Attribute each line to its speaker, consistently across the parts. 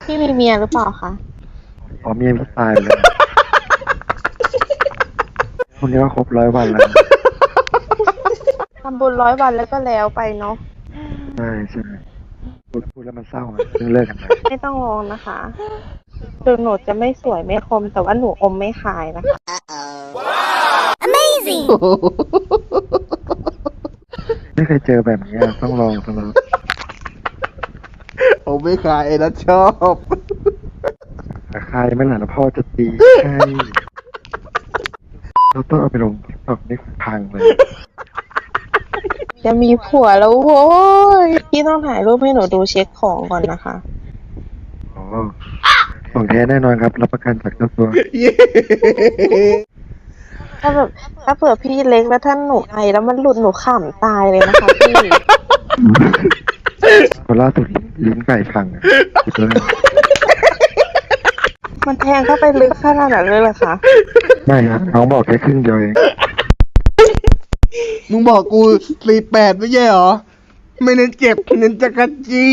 Speaker 1: พี่มีเมียหรือเปล่าคะ
Speaker 2: อ๋อเมียพี่ตายไปแล้วคนนี้ก็ครบ100 วันแล้ว
Speaker 1: ทำบุญ100 วันแล้วก็แล้วไปเนาะ
Speaker 2: ใช่ใช่พูดแล้วมันเศร้าอะเพิ่งเลิกกันไป
Speaker 1: ไม่ต้องร้องนะคะถึงหนูจะไม่สวยไม่คม แต่ว่าหนูอมไม่ขายนะคะ
Speaker 2: ไม่เคยเจอแบบนี้อะต้องลองต้องลอง
Speaker 3: ผมไม่ขายนะชอบ
Speaker 2: ใครไม่หลานพ่อจะตีใช่เราต้องเอาไปลงทิกตอกนี่พังเลย
Speaker 1: จะมีผัวแล้วโว้ยพี่ต้องถ่ายรูปให้หนูดูเช็คของก่อนนะคะ
Speaker 2: อ๋อของแท้แน่นอนครับรับประกันจากเจ้าตัว
Speaker 1: ถ้าแบบถ้าเผื่อพี่เล็กแล้วท่านหนูไอแล้วมันหลุดหนูขำตายเลยนะคะพี่
Speaker 2: คนล่าสุดลิ้นไก่พังอะคิดว่า
Speaker 1: มันแทงเข้าไปลึกขนาดนั้นเลยเหรอคะ
Speaker 2: ไม่นะน้องบอกแค่ครึ่งเดียวเอง
Speaker 3: มึงบอกกู48ไม่ใช่เหรอ ไม่เน้นเจ็บเน้นจักรจี้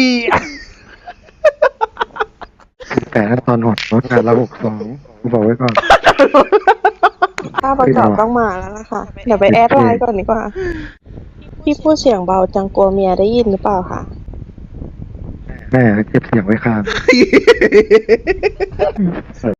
Speaker 2: แต่ถ้าตอนหดรถงานละ62กูบอกไว้ก่อน
Speaker 1: ถ้าประกอบต้องมาแล้วล่ะค่ะ เดี๋ยวไปแอดไลน์ก่อนดีกว่า พี่พูดเสียงเบาจังกลัวเมียได้ยินหรือเปล่าคะ
Speaker 2: แม่เก็บเสียงไว้ข้าง